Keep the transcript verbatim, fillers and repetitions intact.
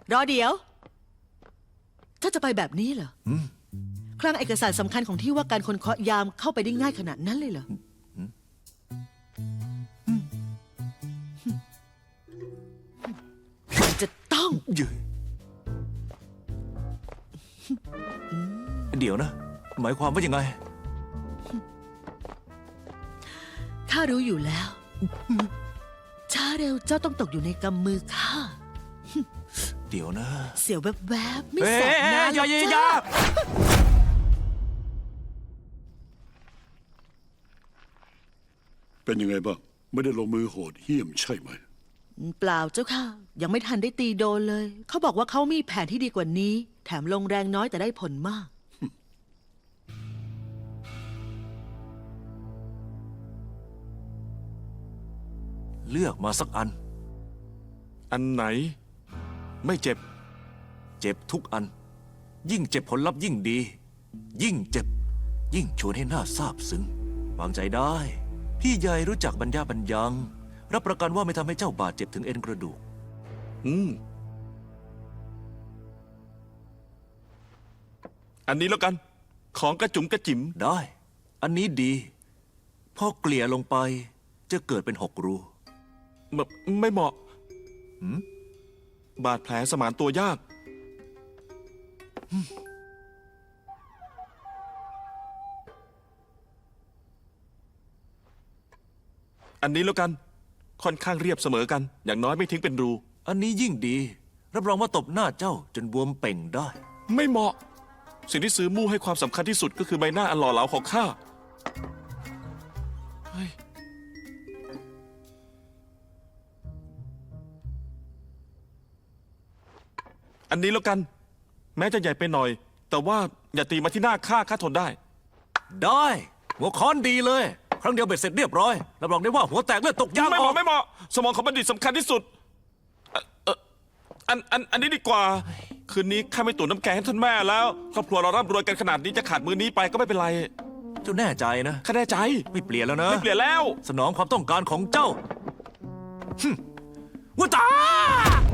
รอเดี๋ยวถ้าจะไปแบบนี้เหรอคลังเอกสารสำคัญของที่ว่าการคนเคาะยามเข้าไปได้ง่ายขนาดนั้นเลยเหรอจะต้องยืนเดี๋ยวนะ หมายความว่ายังไงข้ารู้อยู่แล้ว ช้าเร็วเจ้าต้องตกอยู่ในกำมือข้าเดี๋ยวนะเสียวแวบๆไม่เอ๊แสบนะะอย่าอย่าอย่าจ้าเป็นยังไงบ้างไม่ได้ลงมือโหดเหี้ยมใช่ไหมเปล่าเจ้าค่ะ ยังไม่ทันได้ตีโดนเลย เขาบอกว่าเขามีแผนที่ดีกว่านี้ แถมลงแรงน้อยแต่ได้ผลมากเลือกมาสักอันอันไหน ไม่เจ็บเจ็บทุกอัน ยิ่งเจ็บผลลัพธ์ยิ่งดี ยิ่งเจ็บ ยิ่งชวนให้หน้าซาบซึ้งวางใจได้ พี่ใหญ่รู้จักบรรยาบรรยัง รับประกันว่าไม่ทำให้เจ้าบาดเจ็บถึงเอ็นกระดูกอืม อันนี้แล้วกัน ของกระจุ๋มกระจิ๋มได้ อันนี้ดีพอเกลี่ยลงไปจะเกิดเป็นหกรูแบบไม่เหมาะบาดแผลสมานตัวยาก อันนี้แล้วกัน ค่อนข้างเรียบเสมอกัน อย่างน้อยไม่ทิ้งเป็นรูอันนี้ยิ่งดี รับรองว่าตบหน้าเจ้าจนบวมเป่งได้ไม่เหมาะ สิ่งที่ซื้อมู่ให้ความสำคัญที่สุดก็คือใบหน้าอันหล่อเหลาของข้าเฮ้ยอันนี้แล้วกัน แม้จะใหญ่ไปหน่อย แต่ว่าอย่าตีมาที่หน้าข้าข้าทนได้ได้หัวค้อนดีเลย ครั้งเดียวเบ็ดเสร็จเรียบร้อยรับรองได้ว่าหัวแตกเลือดตกยางไม่อเหอมาะกไม่เหมาะสมองของบัณฑิตสำคัญที่สุดเอ่อเอ่ออันอันอันนี้ดีกว่า คืนนี้ข้าไม่ตุ๋นน้ำแกงให้ท่านแม่แล้วครอบครัวเราร่ำรวยกันขนาดนี้จะขาดมือนี้ไปก็ไม่เป็นไรเจ้าแน่ใจนะข้าแน่ใจไม่เปลี่ยนแล้วนะไม่เปลี่ยนแล้วสนองความต้องการของเจ้าฮึ่มว่าตา